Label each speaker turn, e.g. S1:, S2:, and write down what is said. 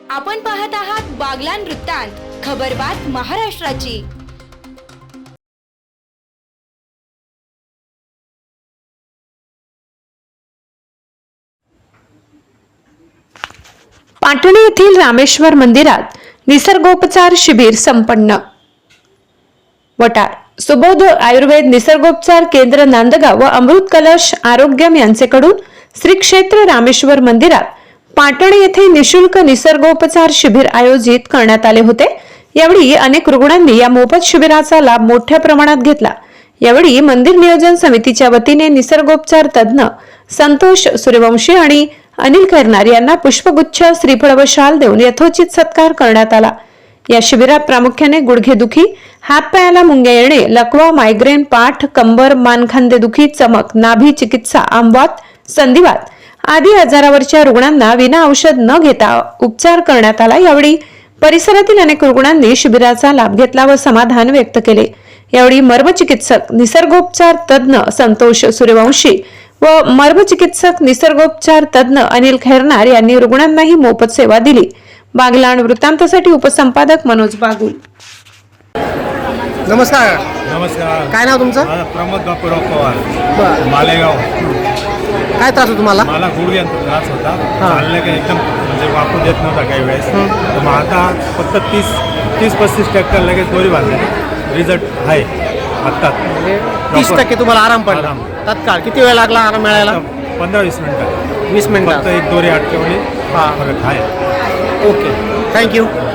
S1: आपण पाहत आहात बागलाण वृत्तांत, खबरबात महाराष्ट्राची।
S2: पाटण येथील रामेश्वर मंदिरात निसर्गोपचार शिबिर संपन्न। वटार सुबोध आयुर्वेद निसर्गोपचार केंद्र नांदगाव व अमृत कलश आरोग्यम यांचेकडून श्री क्षेत्र रामेश्वर मंदिरात पाटण येथे निशुल्क निसर्गोपचार शिबिर आयोजित करण्यात आले होते। यावेळी अनेक रुग्णांनी या मोफत शिबिराचा लाभ मोठ्या प्रमाणात घेतला। यावेळी मंदिर नियोजन समितीच्या वतीने निसर्गोपचार तज्ञ संतोष सूर्यवंशी आणि अनिल खैरनार यांना पुष्पगुच्छ, श्रीफळ व शाल देऊन यथोचित सत्कार करण्यात आला। या शिबिरात प्रामुख्याने गुडघेदुखी, हातपायाला मुंग्या येणे, लकवा, मायग्रेन, पाठ, कंबर, मानखांदेदुखी, चमक, नाभी चिकित्सा, आंबवात, संधिवात आदी आजारावरच्या रुग्णांना विना औषध न घेता उपचार करण्यात आला। यावेळी परिसरातील अनेक रुग्णांनी शिबिराचा लाभ घेतला व समाधान व्यक्त केले। यावेळी मर्मचिकित्सक निसर्गोपचार तज्ञ संतोष सूर्यवंशी व मर्मचिकित्सक निसर्गोपचार तज्ञ अनिल खैरनार यांनी रुग्णांनाही मोफत सेवा दिली। बागलाण वृत्तांतासाठी उपसंपादक मनोज बागुल।
S3: नमस्कार।
S4: नमस्कार।
S3: काय नाव तुमचं?
S4: प्रमोद बापूराव पवार,
S3: बरं।
S4: मालेगाव।
S3: काय त्रास होता तुम्हाला?
S4: मला गुडघ्यांचा त्रास होता, चाललं की एकदम म्हणजे वापरू देत नव्हता काही वेळेस। तर मग आता फक्त 30-35% लगेच दोरी बांधले, रिझल्ट आहे आत्ता।
S3: 30% तुम्हाला आराम पडला तत्काळ? किती वेळ लागला आराम मिळायला?
S4: 15-20 मिनिटं।
S3: 20 मिनिटं
S4: फक्त एक दोरी अटकवली, फरक आहे।
S3: Okay, thank you.